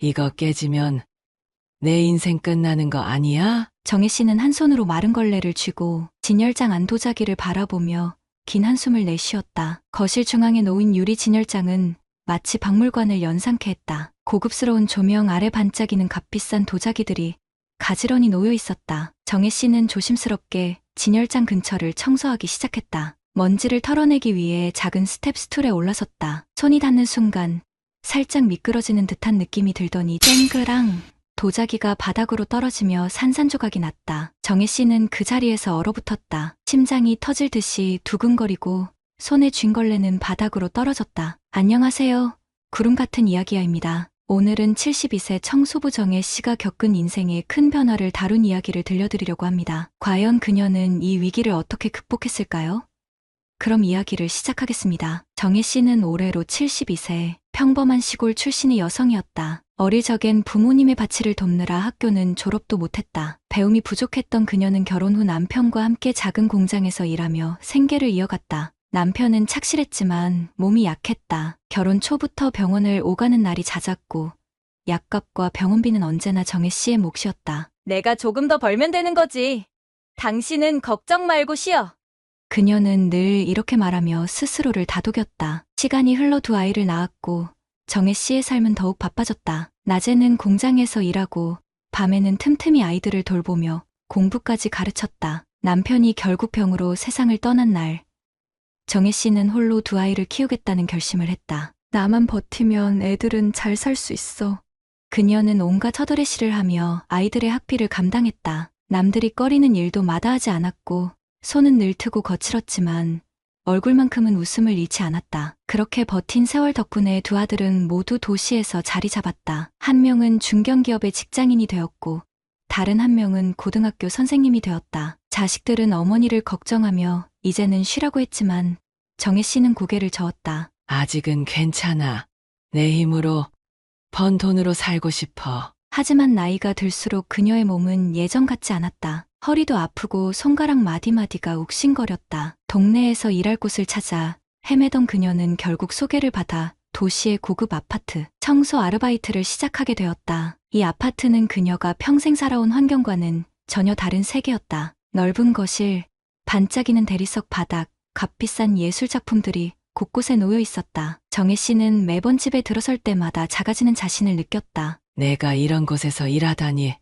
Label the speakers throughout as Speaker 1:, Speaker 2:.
Speaker 1: 이거 깨지면 내 인생 끝나는 거 아니야?
Speaker 2: 정혜 씨는 한 손으로 마른 걸레를 쥐고 진열장 안 도자기를 바라보며 긴 한숨을 내쉬었다. 거실 중앙에 놓인 유리 진열장은 마치 박물관을 연상케 했다. 고급스러운 조명 아래 반짝이는 값비싼 도자기들이 가지런히 놓여 있었다. 정혜 씨는 조심스럽게 진열장 근처를 청소하기 시작했다. 먼지를 털어내기 위해 작은 스텝 스툴에 올라섰다. 손이 닿는 순간 살짝 미끄러지는 듯한 느낌이 들더니 쨍그랑 도자기가 바닥으로 떨어지며 산산조각이 났다. 정혜 씨는 그 자리에서 얼어붙었다. 심장이 터질 듯이 두근거리고 손에 쥔 걸레는 바닥으로 떨어졌다. 안녕하세요. 구름 같은 이야기야입니다. 오늘은 72세 청소부 정혜 씨가 겪은 인생의 큰 변화를 다룬 이야기를 들려드리려고 합니다. 과연 그녀는 이 위기를 어떻게 극복했을까요? 그럼 이야기를 시작하겠습니다. 정혜 씨는 올해로 72세, 평범한 시골 출신의 여성이었다. 어릴 적엔 부모님의 바치를 돕느라 학교는 졸업도 못했다. 배움이 부족했던 그녀는 결혼 후 남편과 함께 작은 공장에서 일하며 생계를 이어갔다. 남편은 착실했지만 몸이 약했다. 결혼 초부터 병원을 오가는 날이 잦았고 약값과 병원비는 언제나 정혜 씨의 몫이었다.
Speaker 3: 내가 조금 더 벌면 되는 거지. 당신은 걱정 말고 쉬어.
Speaker 2: 그녀는 늘 이렇게 말하며 스스로를 다독였다. 시간이 흘러 두 아이를 낳았고 정혜 씨의 삶은 더욱 바빠졌다. 낮에는 공장에서 일하고 밤에는 틈틈이 아이들을 돌보며 공부까지 가르쳤다. 남편이 결국 병으로 세상을 떠난 날, 정혜 씨는 홀로 두 아이를 키우겠다는 결심을 했다. 나만 버티면 애들은 잘 살 수 있어. 그녀는 온갖 허드레시를 하며 아이들의 학비를 감당했다. 남들이 꺼리는 일도 마다하지 않았고 손은 늘트고 거칠었지만 얼굴만큼은 웃음을 잃지 않았다. 그렇게 버틴 세월 덕분에 두 아들은 모두 도시에서 자리 잡았다. 한 명은 중견기업의 직장인이 되었고 다른 한 명은 고등학교 선생님이 되었다. 자식들은 어머니를 걱정하며 이제는 쉬라고 했지만 정혜 씨는 고개를 저었다.
Speaker 1: 아직은 괜찮아. 내 힘으로 번 돈으로 살고 싶어.
Speaker 2: 하지만 나이가 들수록 그녀의 몸은 예전 같지 않았다. 허리도 아프고 손가락 마디마디가 욱신거렸다. 동네에서 일할 곳을 찾아 헤매던 그녀는 결국 소개를 받아 도시의 고급 아파트 청소 아르바이트를 시작하게 되었다. 이 아파트는 그녀가 평생 살아온 환경과는 전혀 다른 세계였다. 넓은 거실, 반짝이는 대리석 바닥, 값비싼 예술작품들이 곳곳에 놓여 있었다. 정혜 씨는 매번 집에 들어설 때마다 작아지는 자신을 느꼈다.
Speaker 1: 내가 이런 곳에서 일하다니.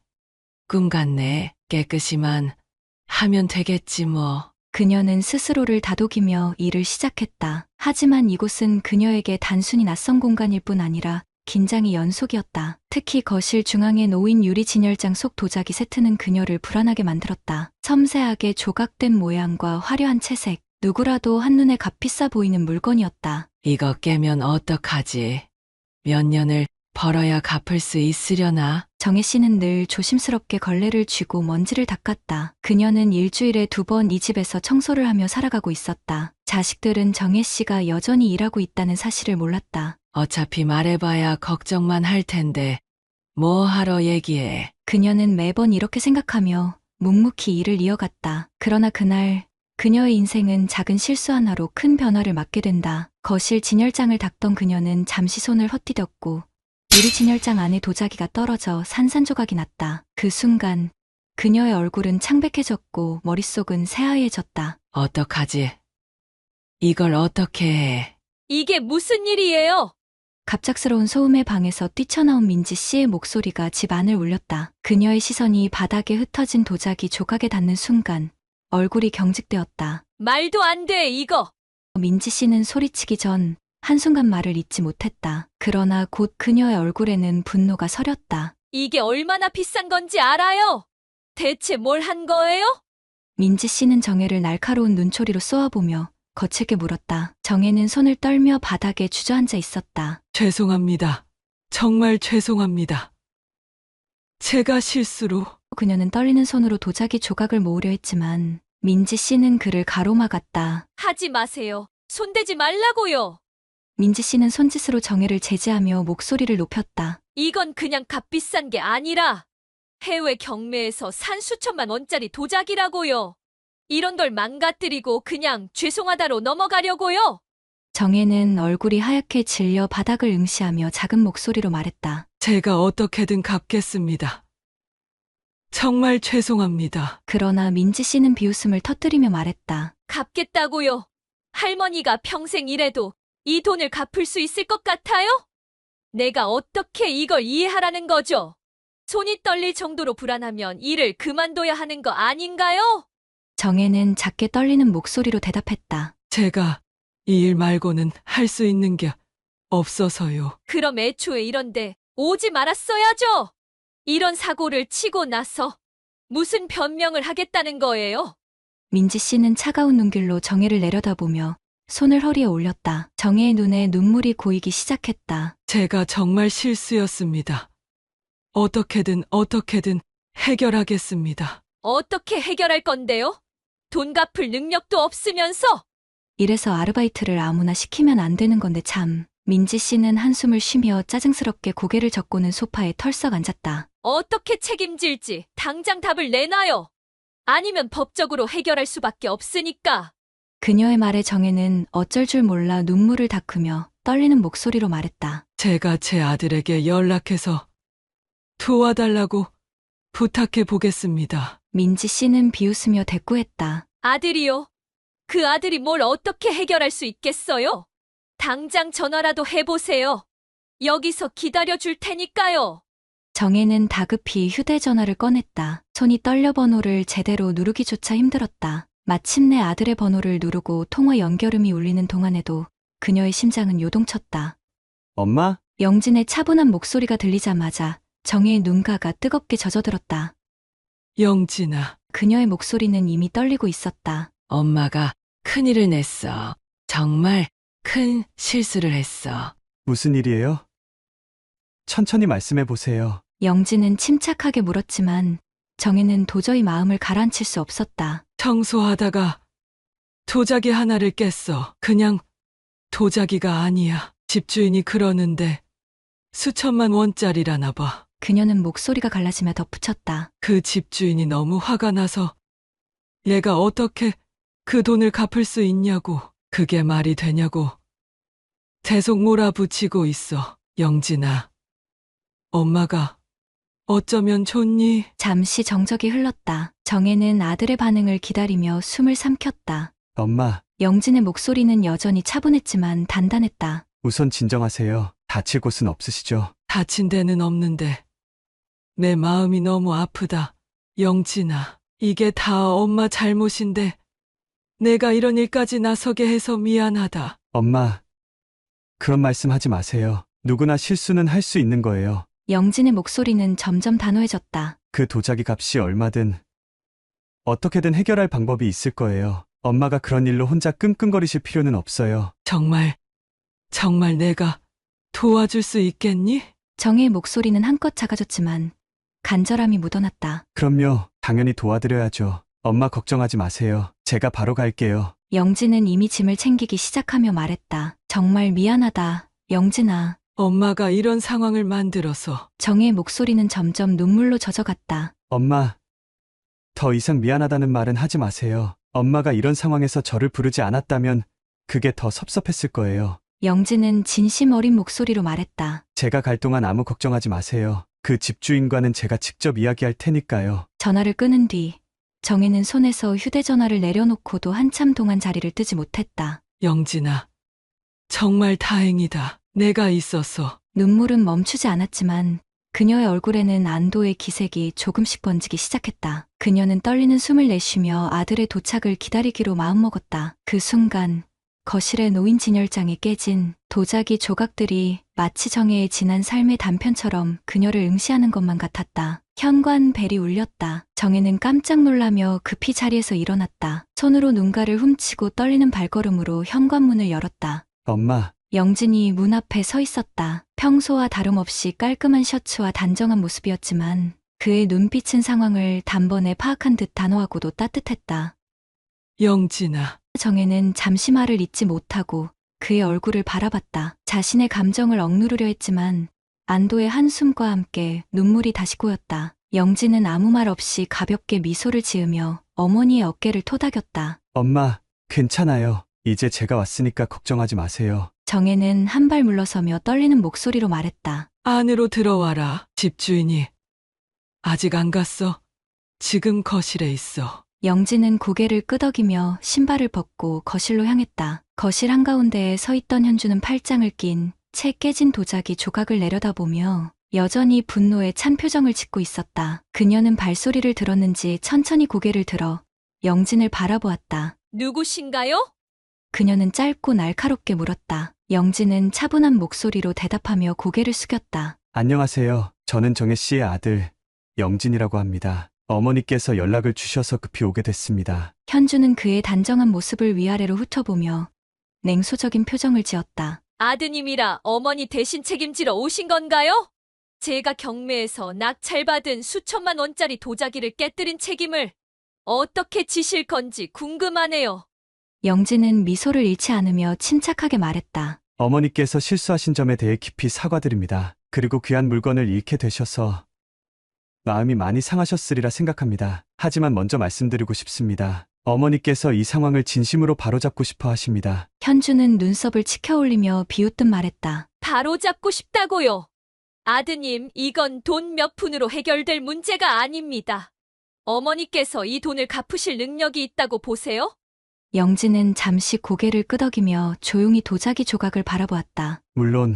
Speaker 1: 꿈 같네. 깨끗이만 하면 되겠지 뭐.
Speaker 2: 그녀는 스스로를 다독이며 일을 시작했다. 하지만 이곳은 그녀에게 단순히 낯선 공간일 뿐 아니라 긴장의 연속이었다. 특히 거실 중앙에 놓인 유리 진열장 속 도자기 세트는 그녀를 불안하게 만들었다. 섬세하게 조각된 모양과 화려한 채색, 누구라도 한눈에 값비싸 보이는 물건이었다.
Speaker 1: 이거 깨면 어떡하지? 몇 년을 벌어야 갚을 수 있으려나?
Speaker 2: 정혜 씨는 늘 조심스럽게 걸레를 쥐고 먼지를 닦았다. 그녀는 일주일에 2번 이 집에서 청소를 하며 살아가고 있었다. 자식들은 정혜 씨가 여전히 일하고 있다는 사실을 몰랐다.
Speaker 1: 어차피 말해봐야 걱정만 할 텐데 뭐 하러 얘기해.
Speaker 2: 그녀는 매번 이렇게 생각하며 묵묵히 일을 이어갔다. 그러나 그날 그녀의 인생은 작은 실수 하나로 큰 변화를 맞게 된다. 거실 진열장을 닦던 그녀는 잠시 손을 헛디뎠고 유리 진열장 안에 도자기가 떨어져 산산조각이 났다. 그 순간 그녀의 얼굴은 창백해졌고 머릿속은 새하얘졌다.
Speaker 1: 어떡하지? 이걸 어떻게 해?
Speaker 3: 이게 무슨 일이에요?
Speaker 2: 갑작스러운 소음의 방에서 뛰쳐나온 민지 씨의 목소리가 집 안을 울렸다. 그녀의 시선이 바닥에 흩어진 도자기 조각에 닿는 순간 얼굴이 경직되었다.
Speaker 3: 말도 안 돼, 이거.
Speaker 2: 민지 씨는 소리치기 전 한순간 말을 잇지 못했다. 그러나 곧 그녀의 얼굴에는 분노가 서렸다.
Speaker 3: 이게 얼마나 비싼 건지 알아요? 대체 뭘 한 거예요?
Speaker 2: 민지 씨는 정혜를 날카로운 눈초리로 쏘아보며 거칠게 물었다. 정혜는 손을 떨며 바닥에 주저앉아 있었다.
Speaker 1: 죄송합니다. 정말 죄송합니다. 제가 실수로.
Speaker 2: 그녀는 떨리는 손으로 도자기 조각을 모으려 했지만 민지 씨는 그를 가로막았다.
Speaker 3: 하지 마세요. 손대지 말라고요.
Speaker 2: 민지 씨는 손짓으로 정혜를 제지하며 목소리를 높였다.
Speaker 3: 이건 그냥 값비싼 게 아니라 해외 경매에서 산 수천만 원짜리 도자기라고요. 이런 걸 망가뜨리고 그냥 죄송하다로 넘어가려고요.
Speaker 2: 정혜는 얼굴이 하얗게 질려 바닥을 응시하며 작은 목소리로 말했다.
Speaker 1: 제가 어떻게든 갚겠습니다. 정말 죄송합니다.
Speaker 2: 그러나 민지 씨는 비웃음을 터뜨리며 말했다.
Speaker 3: 갚겠다고요. 할머니가 평생 일해도 이 돈을 갚을 수 있을 것 같아요? 내가 어떻게 이걸 이해하라는 거죠? 손이 떨릴 정도로 불안하면 일을 그만둬야 하는 거 아닌가요?
Speaker 2: 정혜는 작게 떨리는 목소리로 대답했다.
Speaker 1: 제가 이 일 말고는 할 수 있는 게 없어서요.
Speaker 3: 그럼 애초에 이런데 오지 말았어야죠. 이런 사고를 치고 나서 무슨 변명을 하겠다는 거예요?
Speaker 2: 민지 씨는 차가운 눈길로 정혜를 내려다보며 손을 허리에 올렸다. 정혜의 눈에 눈물이 고이기 시작했다.
Speaker 1: 제가 정말 실수였습니다. 어떻게든 해결하겠습니다.
Speaker 3: 어떻게 해결할 건데요? 돈 갚을 능력도 없으면서
Speaker 2: 이래서 아르바이트를 아무나 시키면 안 되는 건데 참. 민지 씨는 한숨을 쉬며 짜증스럽게 고개를 젓고는 소파에 털썩 앉았다.
Speaker 3: 어떻게 책임질지 당장 답을 내놔요. 아니면 법적으로 해결할 수밖에 없으니까.
Speaker 2: 그녀의 말에 정혜는 어쩔 줄 몰라 눈물을 닦으며 떨리는 목소리로 말했다.
Speaker 1: 제가 제 아들에게 연락해서 도와달라고 부탁해 보겠습니다.
Speaker 2: 민지 씨는 비웃으며 대꾸했다.
Speaker 3: 아들이요? 그 아들이 뭘 어떻게 해결할 수 있겠어요? 당장 전화라도 해보세요. 여기서 기다려줄 테니까요.
Speaker 2: 정혜는 다급히 휴대전화를 꺼냈다. 손이 떨려 번호를 제대로 누르기조차 힘들었다. 마침내 아들의 번호를 누르고 통화 연결음이 울리는 동안에도 그녀의 심장은 요동쳤다.
Speaker 4: 엄마?
Speaker 2: 영진의 차분한 목소리가 들리자마자 정혜의 눈가가 뜨겁게 젖어들었다.
Speaker 1: 영진아,
Speaker 2: 그녀의 목소리는 이미 떨리고 있었다.
Speaker 1: 엄마가 큰일을 냈어. 정말 큰 실수를 했어.
Speaker 4: 무슨 일이에요? 천천히 말씀해 보세요.
Speaker 2: 영진은 침착하게 물었지만 정혜는 도저히 마음을 가라앉힐 수 없었다.
Speaker 1: 청소하다가 도자기 하나를 깼어. 그냥 도자기가 아니야. 집주인이 그러는데 수천만 원짜리라나 봐.
Speaker 2: 그녀는 목소리가 갈라지며 덧붙였다.
Speaker 1: 그 집주인이 너무 화가 나서 얘가 어떻게 그 돈을 갚을 수 있냐고. 그게 말이 되냐고. 계속 몰아붙이고 있어. 영진아, 엄마가 어쩌면 좋니?
Speaker 2: 잠시 정적이 흘렀다. 정혜는 아들의 반응을 기다리며 숨을 삼켰다.
Speaker 4: 엄마,
Speaker 2: 영진의 목소리는 여전히 차분했지만 단단했다.
Speaker 4: 우선 진정하세요. 다칠 곳은 없으시죠?
Speaker 1: 다친 데는 없는데 내 마음이 너무 아프다. 영진아, 이게 다 엄마 잘못인데 내가 이런 일까지 나서게 해서 미안하다.
Speaker 4: 엄마, 그런 말씀 하지 마세요. 누구나 실수는 할 수 있는 거예요.
Speaker 2: 영진의 목소리는 점점 단호해졌다.
Speaker 4: 그 도자기 값이 얼마든 어떻게든 해결할 방법이 있을 거예요. 엄마가 그런 일로 혼자 끙끙거리실 필요는 없어요.
Speaker 1: 정말 내가 도와줄 수 있겠니?
Speaker 2: 정혜의 목소리는 한껏 작아졌지만 간절함이 묻어났다.
Speaker 4: 그럼요. 당연히 도와드려야죠. 엄마 걱정하지 마세요. 제가 바로 갈게요.
Speaker 2: 영진은 이미 짐을 챙기기 시작하며 말했다. 정말 미안하다, 영진아.
Speaker 1: 엄마가 이런 상황을 만들어서.
Speaker 2: 정혜의 목소리는 점점 눈물로 젖어갔다.
Speaker 4: 엄마, 더 이상 미안하다는 말은 하지 마세요. 엄마가 이런 상황에서 저를 부르지 않았다면 그게 더 섭섭했을 거예요.
Speaker 2: 영진은 진심 어린 목소리로 말했다.
Speaker 4: 제가 갈 동안 아무 걱정하지 마세요. 그 집주인과는 제가 직접 이야기할 테니까요.
Speaker 2: 전화를 끊은 뒤 정혜는 손에서 휴대전화를 내려놓고도 한참 동안 자리를 뜨지 못했다.
Speaker 1: 영진아, 정말 다행이다. 내가 있어서.
Speaker 2: 눈물은 멈추지 않았지만 그녀의 얼굴에는 안도의 기색이 조금씩 번지기 시작했다. 그녀는 떨리는 숨을 내쉬며 아들의 도착을 기다리기로 마음먹었다. 그 순간 거실에 놓인 진열장에 깨진 도자기 조각들이 마치 정혜의 지난 삶의 단편처럼 그녀를 응시하는 것만 같았다. 현관 벨이 울렸다. 정혜는 깜짝 놀라며 급히 자리에서 일어났다. 손으로 눈가를 훔치고 떨리는 발걸음으로 현관문을 열었다.
Speaker 4: 엄마,
Speaker 2: 영진이 문 앞에 서 있었다. 평소와 다름없이 깔끔한 셔츠와 단정한 모습이었지만 그의 눈빛은 상황을 단번에 파악한 듯 단호하고도 따뜻했다.
Speaker 1: 영진아,
Speaker 2: 정혜는 잠시 말을 잇지 못하고 그의 얼굴을 바라봤다. 자신의 감정을 억누르려 했지만 안도의 한숨과 함께 눈물이 다시 고였다. 영진은 아무 말 없이 가볍게 미소를 지으며 어머니의 어깨를 토닥였다.
Speaker 4: 엄마, 괜찮아요. 이제 제가 왔으니까 걱정하지 마세요.
Speaker 2: 정혜는 한 발 물러서며 떨리는 목소리로 말했다.
Speaker 1: 안으로 들어와라. 집주인이 아직 안 갔어. 지금 거실에 있어.
Speaker 2: 영진은 고개를 끄덕이며 신발을 벗고 거실로 향했다. 거실 한가운데에 서 있던 현주는 팔짱을 낀 채 깨진 도자기 조각을 내려다보며 여전히 분노에 찬 표정을 짓고 있었다. 그녀는 발소리를 들었는지 천천히 고개를 들어 영진을 바라보았다.
Speaker 3: 누구신가요?
Speaker 2: 그녀는 짧고 날카롭게 물었다. 영진은 차분한 목소리로 대답하며 고개를 숙였다.
Speaker 4: 안녕하세요. 저는 정혜 씨의 아들 영진이라고 합니다. 어머니께서 연락을 주셔서 급히 오게 됐습니다.
Speaker 2: 현주는 그의 단정한 모습을 위아래로 훑어보며 냉소적인 표정을 지었다.
Speaker 3: 아드님이라 어머니 대신 책임지러 오신 건가요? 제가 경매에서 낙찰받은 수천만 원짜리 도자기를 깨뜨린 책임을 어떻게 지실 건지 궁금하네요.
Speaker 2: 영진은 미소를 잃지 않으며 침착하게 말했다.
Speaker 4: 어머니께서 실수하신 점에 대해 깊이 사과드립니다. 그리고 귀한 물건을 잃게 되셔서 마음이 많이 상하셨으리라 생각합니다. 하지만 먼저 말씀드리고 싶습니다. 어머니께서 이 상황을 진심으로 바로잡고 싶어 하십니다.
Speaker 2: 현주는 눈썹을 치켜올리며 비웃듯 말했다.
Speaker 3: 바로 잡고 싶다고요. 아드님, 이건 돈 몇 푼으로 해결될 문제가 아닙니다. 어머니께서 이 돈을 갚으실 능력이 있다고 보세요?
Speaker 2: 영진은 잠시 고개를 끄덕이며 조용히 도자기 조각을 바라보았다.
Speaker 4: 물론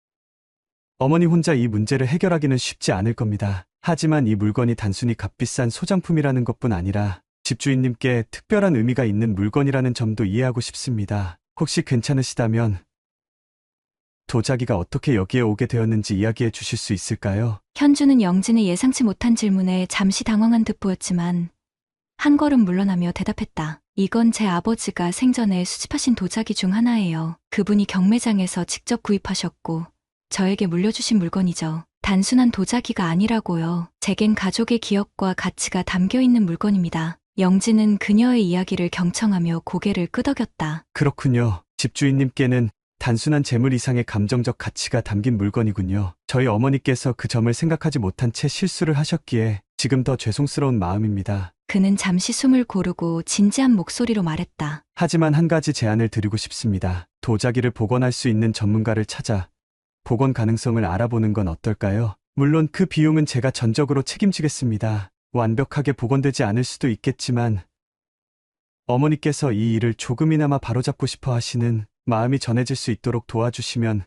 Speaker 4: 어머니 혼자 이 문제를 해결하기는 쉽지 않을 겁니다. 하지만 이 물건이 단순히 값비싼 소장품이라는 것뿐 아니라 집주인님께 특별한 의미가 있는 물건이라는 점도 이해하고 싶습니다. 혹시 괜찮으시다면 도자기가 어떻게 여기에 오게 되었는지 이야기해 주실 수 있을까요?
Speaker 2: 현주는 영진의 예상치 못한 질문에 잠시 당황한 듯 보였지만 한 걸음 물러나며 대답했다. 이건 제 아버지가 생전에 수집하신 도자기 중 하나예요. 그분이 경매장에서 직접 구입하셨고 저에게 물려주신 물건이죠. 단순한 도자기가 아니라고요. 제겐 가족의 기억과 가치가 담겨 있는 물건입니다. 영진은 그녀의 이야기를 경청하며 고개를 끄덕였다.
Speaker 4: 그렇군요. 집주인님께는 단순한 재물 이상의 감정적 가치가 담긴 물건이군요. 저희 어머니께서 그 점을 생각하지 못한 채 실수를 하셨기에 지금 더 죄송스러운 마음입니다.
Speaker 2: 그는 잠시 숨을 고르고 진지한 목소리로 말했다.
Speaker 4: 하지만 한 가지 제안을 드리고 싶습니다. 도자기를 복원할 수 있는 전문가를 찾아 복원 가능성을 알아보는 건 어떨까요? 물론 그 비용은 제가 전적으로 책임지겠습니다. 완벽하게 복원되지 않을 수도 있겠지만 어머니께서 이 일을 조금이나마 바로잡고 싶어 하시는 마음이 전해질 수 있도록 도와주시면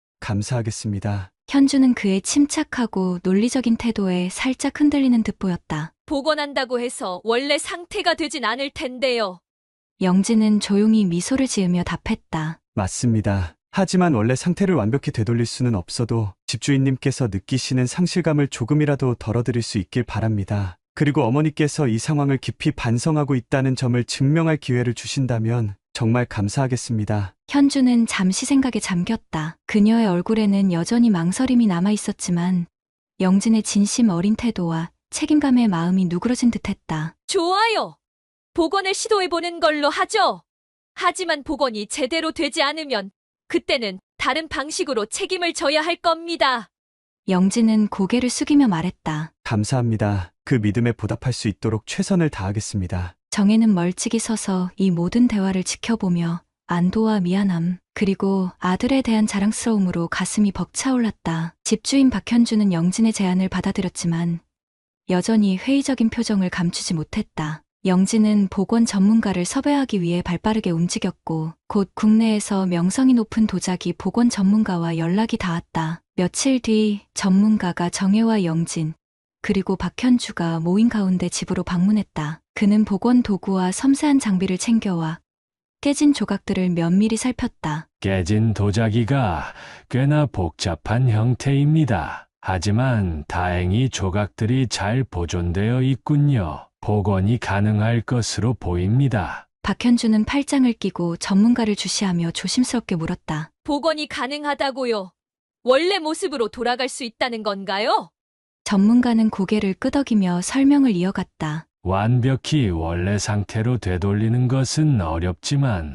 Speaker 4: 감사하겠습니다.
Speaker 2: 현주는 그의 침착하고 논리적인 태도에 살짝 흔들리는 듯 보였다.
Speaker 3: 복원한다고 해서 원래 상태가 되진 않을 텐데요.
Speaker 2: 영진은 조용히 미소를 지으며 답했다.
Speaker 4: 맞습니다. 하지만 원래 상태를 완벽히 되돌릴 수는 없어도 집주인님께서 느끼시는 상실감을 조금이라도 덜어드릴 수 있길 바랍니다. 그리고 어머니께서 이 상황을 깊이 반성하고 있다는 점을 증명할 기회를 주신다면 정말 감사하겠습니다.
Speaker 2: 현주는 잠시 생각에 잠겼다. 그녀의 얼굴에는 여전히 망설임이 남아 있었지만 영진의 진심 어린 태도와 책임감의 마음이 누그러진 듯했다.
Speaker 3: 좋아요. 복원을 시도해보는 걸로 하죠. 하지만 복원이 제대로 되지 않으면 그때는 다른 방식으로 책임을 져야 할 겁니다.
Speaker 2: 영진은 고개를 숙이며 말했다.
Speaker 4: 감사합니다. 그 믿음에 보답할 수 있도록 최선을 다하겠습니다.
Speaker 2: 정혜는 멀찍이 서서 이 모든 대화를 지켜보며 안도와 미안함, 그리고 아들에 대한 자랑스러움으로 가슴이 벅차올랐다. 집주인 박현주는 영진의 제안을 받아들였지만 여전히 회의적인 표정을 감추지 못했다. 영진은 복원 전문가를 섭외하기 위해 발빠르게 움직였고 곧 국내에서 명성이 높은 도자기 복원 전문가와 연락이 닿았다. 며칠 뒤 전문가가 정혜와 영진, 그리고 박현주가 모인 가운데 집으로 방문했다. 그는 복원 도구와 섬세한 장비를 챙겨와 깨진 조각들을 면밀히 살폈다.
Speaker 5: 깨진 도자기가 꽤나 복잡한 형태입니다. 하지만 다행히 조각들이 잘 보존되어 있군요. 복원이 가능할 것으로 보입니다.
Speaker 2: 박현주는 팔짱을 끼고 전문가를 주시하며 조심스럽게 물었다.
Speaker 3: 복원이 가능하다고요. 원래 모습으로 돌아갈 수 있다는 건가요?
Speaker 2: 전문가는 고개를 끄덕이며 설명을 이어갔다.
Speaker 5: 완벽히 원래 상태로 되돌리는 것은 어렵지만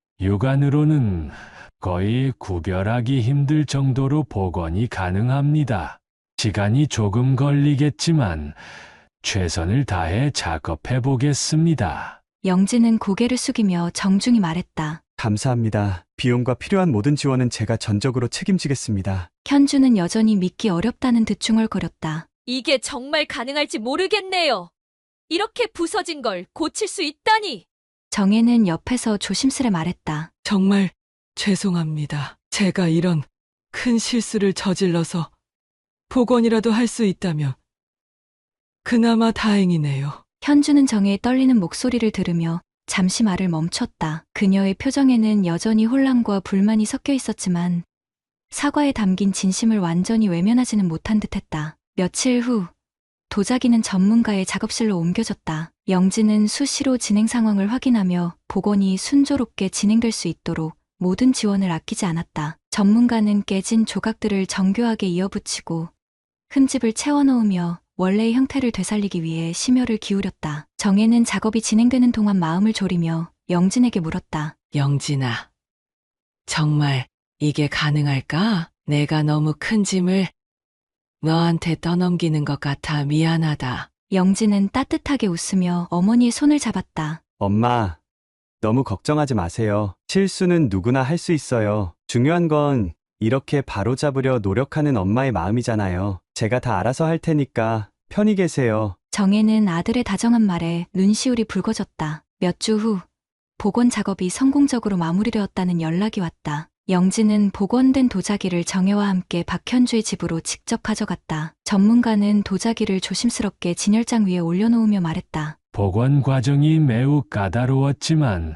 Speaker 5: 육안으로는 거의 구별하기 힘들 정도로 복원이 가능합니다. 시간이 조금 걸리겠지만 최선을 다해 작업해 보겠습니다.
Speaker 2: 영진은 고개를 숙이며 정중히 말했다.
Speaker 4: 감사합니다. 비용과 필요한 모든 지원은 제가 전적으로 책임지겠습니다.
Speaker 2: 현주는 여전히 믿기 어렵다는 듯 중얼거렸다.
Speaker 3: 이게 정말 가능할지 모르겠네요. 이렇게 부서진 걸 고칠 수 있다니.
Speaker 2: 정혜는 옆에서 조심스레 말했다.
Speaker 1: 정말 죄송합니다. 제가 이런 큰 실수를 저질러서 복원이라도 할 수 있다면 그나마 다행이네요.
Speaker 2: 현주는 정혜의 떨리는 목소리를 들으며 잠시 말을 멈췄다. 그녀의 표정에는 여전히 혼란과 불만이 섞여 있었지만 사과에 담긴 진심을 완전히 외면하지는 못한 듯했다. 며칠 후 도자기는 전문가의 작업실로 옮겨졌다. 영진은 수시로 진행 상황을 확인하며 복원이 순조롭게 진행될 수 있도록 모든 지원을 아끼지 않았다. 전문가는 깨진 조각들을 정교하게 이어붙이고 흠집을 채워넣으며 원래의 형태를 되살리기 위해 심혈을 기울였다. 정혜는 작업이 진행되는 동안 마음을 졸이며 영진에게 물었다.
Speaker 1: 영진아, 정말 이게 가능할까? 내가 너무 큰 짐을 너한테 떠넘기는 것 같아 미안하다.
Speaker 2: 영진은 따뜻하게 웃으며 어머니의 손을 잡았다.
Speaker 4: 엄마, 너무 걱정하지 마세요. 실수는 누구나 할 수 있어요. 중요한 건 이렇게 바로잡으려 노력하는 엄마의 마음이잖아요. 제가 다 알아서 할 테니까 편히 계세요.
Speaker 2: 정혜는 아들의 다정한 말에 눈시울이 붉어졌다. 몇 주 후 복원 작업이 성공적으로 마무리되었다는 연락이 왔다. 영진은 복원된 도자기를 정혜와 함께 박현주의 집으로 직접 가져갔다. 전문가는 도자기를 조심스럽게 진열장 위에 올려놓으며 말했다.
Speaker 5: 복원 과정이 매우 까다로웠지만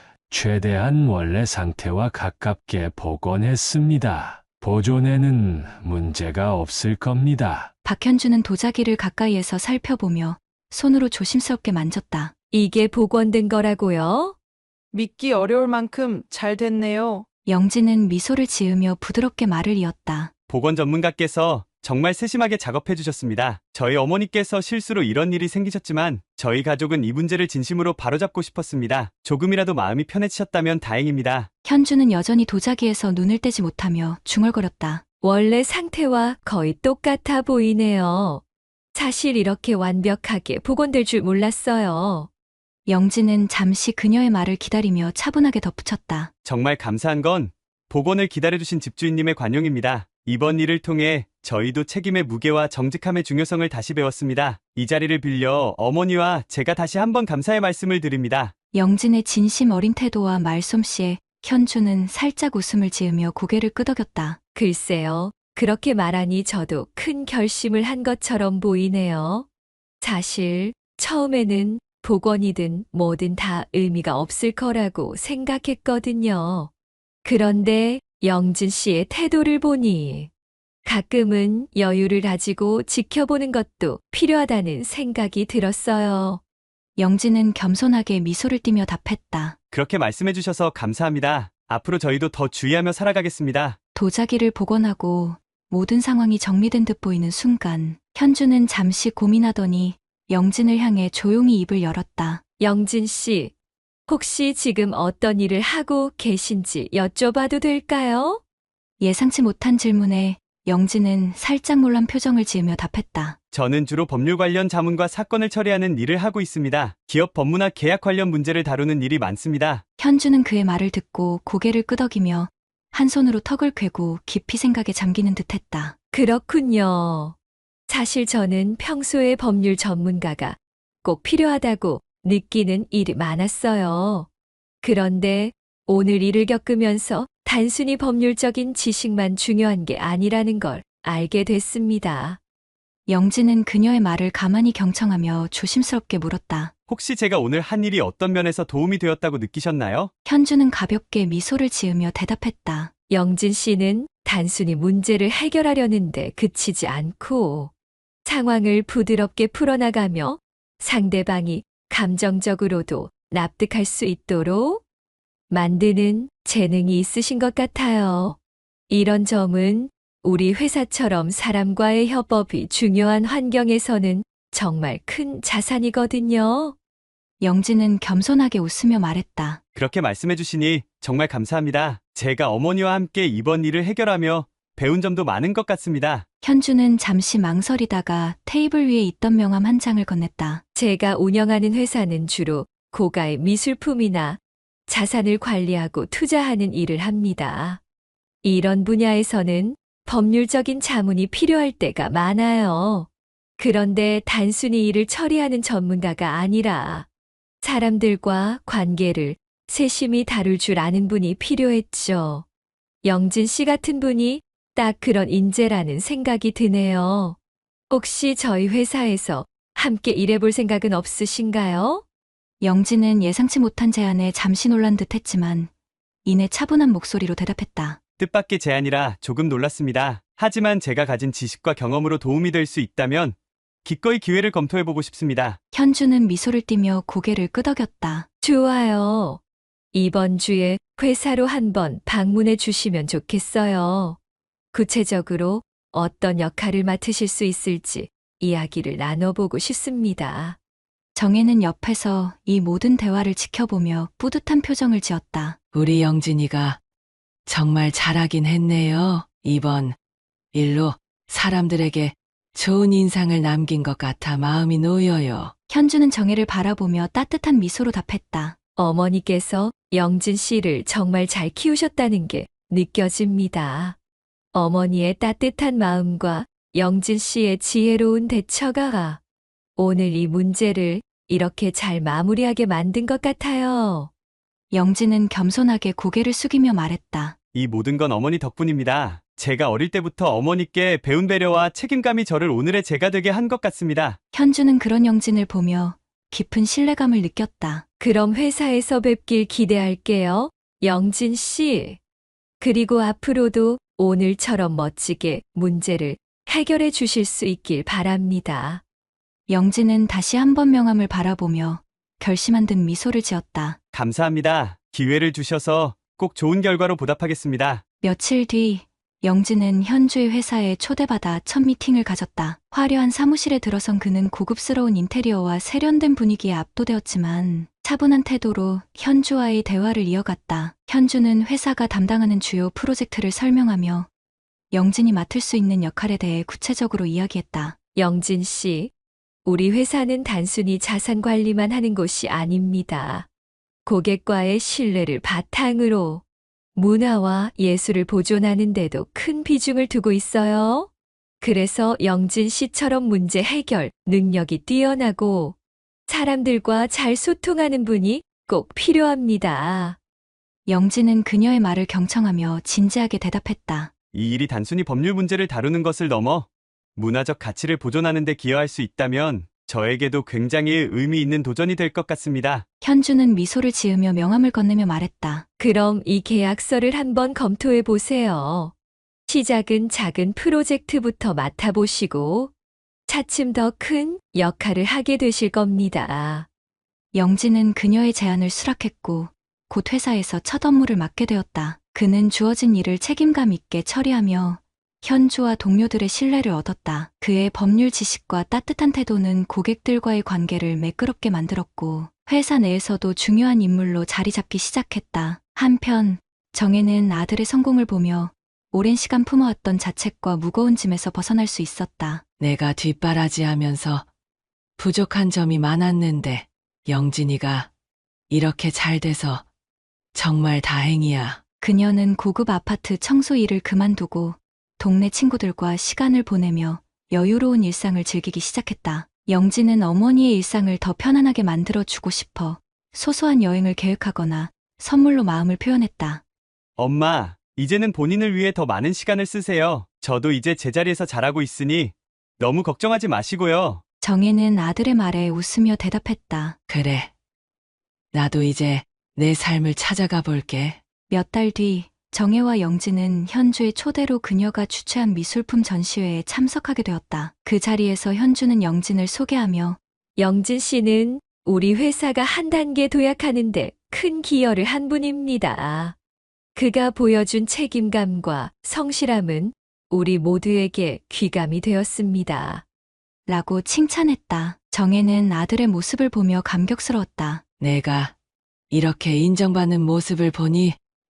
Speaker 5: 최대한 원래 상태와 가깝게 복원했습니다. 보존에는 문제가 없을 겁니다.
Speaker 2: 박현주는 도자기를 가까이에서 살펴보며 손으로 조심스럽게 만졌다.
Speaker 3: 이게 복원된 거라고요?
Speaker 6: 믿기 어려울 만큼 잘 됐네요.
Speaker 2: 영진은 미소를 지으며 부드럽게 말을 이었다.
Speaker 4: 보건 전문가께서 정말 세심하게 작업해 주셨습니다. 저희 어머니께서 실수로 이런 일이 생기셨지만 저희 가족은 이 문제를 진심으로 바로잡고 싶었습니다. 조금이라도 마음이 편해지셨다면 다행입니다.
Speaker 2: 현주는 여전히 도자기에서 눈을 떼지 못하며 중얼거렸다.
Speaker 3: 원래 상태와 거의 똑같아 보이네요. 사실 이렇게 완벽하게 복원될 줄 몰랐어요.
Speaker 2: 영진은 잠시 그녀의 말을 기다리며 차분하게 덧붙였다.
Speaker 4: 정말 감사한 건 복원을 기다려주신 집주인님의 관용입니다. 이번 일을 통해 저희도 책임의 무게와 정직함의 중요성을 다시 배웠습니다. 이 자리를 빌려 어머니와 제가 다시 한번 감사의 말씀을 드립니다.
Speaker 2: 영진의 진심 어린 태도와 말솜씨에 현주는 살짝 웃음을 지으며 고개를 끄덕였다.
Speaker 3: 글쎄요, 그렇게 말하니 저도 큰 결심을 한 것처럼 보이네요. 사실 처음에는 복원이든 뭐든 다 의미가 없을 거라고 생각했거든요. 그런데 영진 씨의 태도를 보니 가끔은 여유를 가지고 지켜보는 것도 필요하다는 생각이 들었어요.
Speaker 2: 영진은 겸손하게 미소를 띠며 답했다.
Speaker 4: 그렇게 말씀해 주셔서 감사합니다. 앞으로 저희도 더 주의하며 살아가겠습니다.
Speaker 2: 도자기를 복원하고 모든 상황이 정리된 듯 보이는 순간 현주는 잠시 고민하더니 영진을 향해 조용히 입을 열었다.
Speaker 3: 영진 씨, 혹시 지금 어떤 일을 하고 계신지 여쭤봐도 될까요?
Speaker 2: 예상치 못한 질문에 영진은 살짝 놀란 표정을 지으며 답했다.
Speaker 4: 저는 주로 법률 관련 자문과 사건을 처리하는 일을 하고 있습니다. 기업 법무나 계약 관련 문제를 다루는 일이 많습니다.
Speaker 2: 현주는 그의 말을 듣고 고개를 끄덕이며 한 손으로 턱을 꿰고 깊이 생각에 잠기는 듯했다.
Speaker 3: 그렇군요. 사실 저는 평소에 법률 전문가가 꼭 필요하다고 느끼는 일이 많았어요. 그런데 오늘 일을 겪으면서 단순히 법률적인 지식만 중요한 게 아니라는 걸 알게 됐습니다.
Speaker 2: 영진은 그녀의 말을 가만히 경청하며 조심스럽게 물었다.
Speaker 4: 혹시 제가 오늘 한 일이 어떤 면에서 도움이 되었다고 느끼셨나요?
Speaker 2: 현주는 가볍게 미소를 지으며 대답했다.
Speaker 3: 영진 씨는 단순히 문제를 해결하려는데 그치지 않고 상황을 부드럽게 풀어나가며 상대방이 감정적으로도 납득할 수 있도록 만드는 재능이 있으신 것 같아요. 이런 점은 우리 회사처럼 사람과의 협업이 중요한 환경에서는 정말 큰 자산이거든요.
Speaker 2: 영진은 겸손하게 웃으며 말했다.
Speaker 4: 그렇게 말씀해 주시니 정말 감사합니다. 제가 어머니와 함께 이번 일을 해결하며 배운 점도 많은 것 같습니다.
Speaker 2: 현주는 잠시 망설이다가 테이블 위에 있던 명함 한 장을 건넸다.
Speaker 3: 제가 운영하는 회사는 주로 고가의 미술품이나 자산을 관리하고 투자하는 일을 합니다. 이런 분야에서는 법률적인 자문이 필요할 때가 많아요. 그런데 단순히 일을 처리하는 전문가가 아니라 사람들과 관계를 세심히 다룰 줄 아는 분이 필요했죠. 영진 씨 같은 분이 딱 그런 인재라는 생각이 드네요. 혹시 저희 회사에서 함께 일해볼 생각은 없으신가요?
Speaker 2: 영진은 예상치 못한 제안에 잠시 놀란 듯 했지만 이내 차분한 목소리로 대답했다.
Speaker 4: 뜻밖의 제안이라 조금 놀랐습니다. 하지만 제가 가진 지식과 경험으로 도움이 될 수 있다면 기꺼이 기회를 검토해보고 싶습니다.
Speaker 2: 현주는 미소를 띠며 고개를 끄덕였다.
Speaker 3: 좋아요. 이번 주에 회사로 한번 방문해 주시면 좋겠어요. 구체적으로 어떤 역할을 맡으실 수 있을지 이야기를 나눠보고 싶습니다.
Speaker 2: 정혜는 옆에서 이 모든 대화를 지켜보며 뿌듯한 표정을 지었다.
Speaker 1: 우리 영진이가 정말 잘하긴 했네요. 이번 일로 사람들에게 좋은 인상을 남긴 것 같아 마음이 놓여요.
Speaker 2: 현주는 정혜를 바라보며 따뜻한 미소로 답했다.
Speaker 3: 어머니께서 영진 씨를 정말 잘 키우셨다는 게 느껴집니다. 어머니의 따뜻한 마음과 영진 씨의 지혜로운 대처가 오늘 이 문제를 이렇게 잘 마무리하게 만든 것 같아요.
Speaker 2: 영진은 겸손하게 고개를 숙이며 말했다.
Speaker 4: 이 모든 건 어머니 덕분입니다. 제가 어릴 때부터 어머니께 배운 배려와 책임감이 저를 오늘의 제가 되게 한 것 같습니다.
Speaker 2: 현주는 그런 영진을 보며 깊은 신뢰감을 느꼈다.
Speaker 3: 그럼 회사에서 뵙길 기대할게요. 영진 씨. 그리고 앞으로도 오늘처럼 멋지게 문제를 해결해 주실 수 있길 바랍니다.
Speaker 2: 영진은 다시 한번 명함을 바라보며 결심한 듯 미소를 지었다.
Speaker 4: 감사합니다. 기회를 주셔서 꼭 좋은 결과로 보답하겠습니다.
Speaker 2: 며칠 뒤 영진은 현주의 회사에 초대받아 첫 미팅을 가졌다. 화려한 사무실에 들어선 그는 고급스러운 인테리어와 세련된 분위기에 압도되었지만 차분한 태도로 현주와의 대화를 이어갔다. 현주는 회사가 담당하는 주요 프로젝트를 설명하며 영진이 맡을 수 있는 역할에 대해 구체적으로 이야기했다.
Speaker 3: 영진 씨, 우리 회사는 단순히 자산 관리만 하는 곳이 아닙니다. 고객과의 신뢰를 바탕으로 문화와 예술을 보존하는 데도 큰 비중을 두고 있어요. 그래서 영진 씨처럼 문제 해결 능력이 뛰어나고 사람들과 잘 소통하는 분이 꼭 필요합니다.
Speaker 2: 영진은 그녀의 말을 경청하며 진지하게 대답했다.
Speaker 4: 이 일이 단순히 법률 문제를 다루는 것을 넘어 문화적 가치를 보존하는 데 기여할 수 있다면 저에게도 굉장히 의미 있는 도전이 될 것 같습니다.
Speaker 2: 현주는 미소를 지으며 명함을 건네며 말했다.
Speaker 3: 그럼 이 계약서를 한번 검토해 보세요. 시작은 작은 프로젝트부터 맡아보시고 차츰 더 큰 역할을 하게 되실 겁니다.
Speaker 2: 영진은 그녀의 제안을 수락했고 곧 회사에서 첫 업무를 맡게 되었다. 그는 주어진 일을 책임감 있게 처리하며 현주와 동료들의 신뢰를 얻었다. 그의 법률 지식과 따뜻한 태도는 고객들과의 관계를 매끄럽게 만들었고 회사 내에서도 중요한 인물로 자리 잡기 시작했다. 한편 정혜는 아들의 성공을 보며 오랜 시간 품어왔던 자책과 무거운 짐에서 벗어날 수 있었다.
Speaker 1: 내가 뒷바라지하면서 부족한 점이 많았는데 영진이가 이렇게 잘 돼서 정말 다행이야.
Speaker 2: 그녀는 고급 아파트 청소 일을 그만두고 동네 친구들과 시간을 보내며 여유로운 일상을 즐기기 시작했다. 영진은 어머니의 일상을 더 편안하게 만들어주고 싶어 소소한 여행을 계획하거나 선물로 마음을 표현했다.
Speaker 4: 엄마, 이제는 본인을 위해 더 많은 시간을 쓰세요. 저도 이제 제자리에서 잘하고 있으니 너무 걱정하지 마시고요.
Speaker 2: 정혜는 아들의 말에 웃으며 대답했다.
Speaker 1: 그래. 나도 이제 내 삶을 찾아가 볼게.
Speaker 2: 몇 달 뒤 정혜와 영진은 현주의 초대로 그녀가 주최한 미술품 전시회에 참석하게 되었다. 그 자리에서 현주는 영진을 소개하며
Speaker 3: 영진 씨는 우리 회사가 한 단계 도약하는데 큰 기여를 한 분입니다. 그가 보여준 책임감과 성실함은 우리 모두에게 귀감이 되었습니다.
Speaker 2: 라고 칭찬했다. 정혜는 아들의 모습을 보며 감격스러웠다.
Speaker 1: 내가 이렇게 인정받는 모습을 보니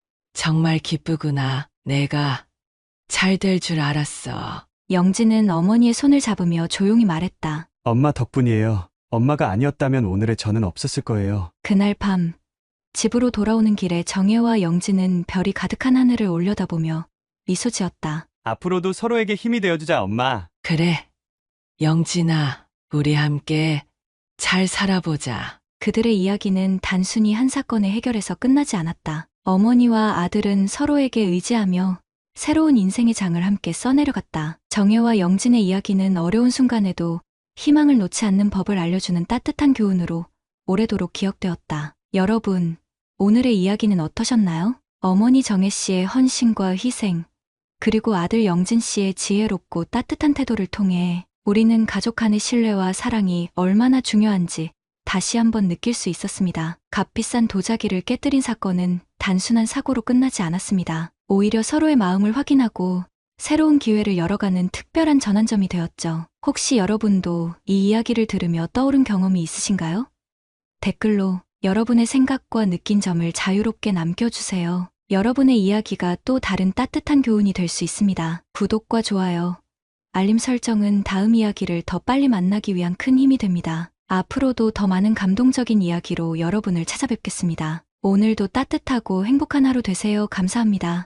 Speaker 1: 정말 기쁘구나. 내가 잘 될 줄 알았어.
Speaker 2: 영진은 어머니의 손을 잡으며 조용히 말했다.
Speaker 4: 엄마 덕분이에요. 엄마가 아니었다면 오늘의 저는 없었을 거예요.
Speaker 2: 그날 밤 집으로 돌아오는 길에 정혜와 영진은 별이 가득한 하늘을 올려다보며 미소 지었다.
Speaker 4: 앞으로도 서로에게 힘이 되어주자, 엄마.
Speaker 1: 그래. 영진아, 우리 함께 잘 살아보자.
Speaker 2: 그들의 이야기는 단순히 한 사건의 해결에서 끝나지 않았다. 어머니와 아들은 서로에게 의지하며 새로운 인생의 장을 함께 써내려갔다. 정혜와 영진의 이야기는 어려운 순간에도 희망을 놓지 않는 법을 알려주는 따뜻한 교훈으로 오래도록 기억되었다. 여러분, 오늘의 이야기는 어떠셨나요? 어머니 정혜 씨의 헌신과 희생, 그리고 아들 영진 씨의 지혜롭고 따뜻한 태도를 통해 우리는 가족 간의 신뢰와 사랑이 얼마나 중요한지 다시 한번 느낄 수 있었습니다. 값비싼 도자기를 깨뜨린 사건은 단순한 사고로 끝나지 않았습니다. 오히려 서로의 마음을 확인하고 새로운 기회를 열어가는 특별한 전환점이 되었죠. 혹시 여러분도 이 이야기를 들으며 떠오른 경험이 있으신가요? 댓글로 여러분의 생각과 느낀 점을 자유롭게 남겨주세요. 여러분의 이야기가 또 다른 따뜻한 교훈이 될 수 있습니다. 구독과 좋아요, 알림 설정은 다음 이야기를 더 빨리 만나기 위한 큰 힘이 됩니다. 앞으로도 더 많은 감동적인 이야기로 여러분을 찾아뵙겠습니다. 오늘도 따뜻하고 행복한 하루 되세요. 감사합니다.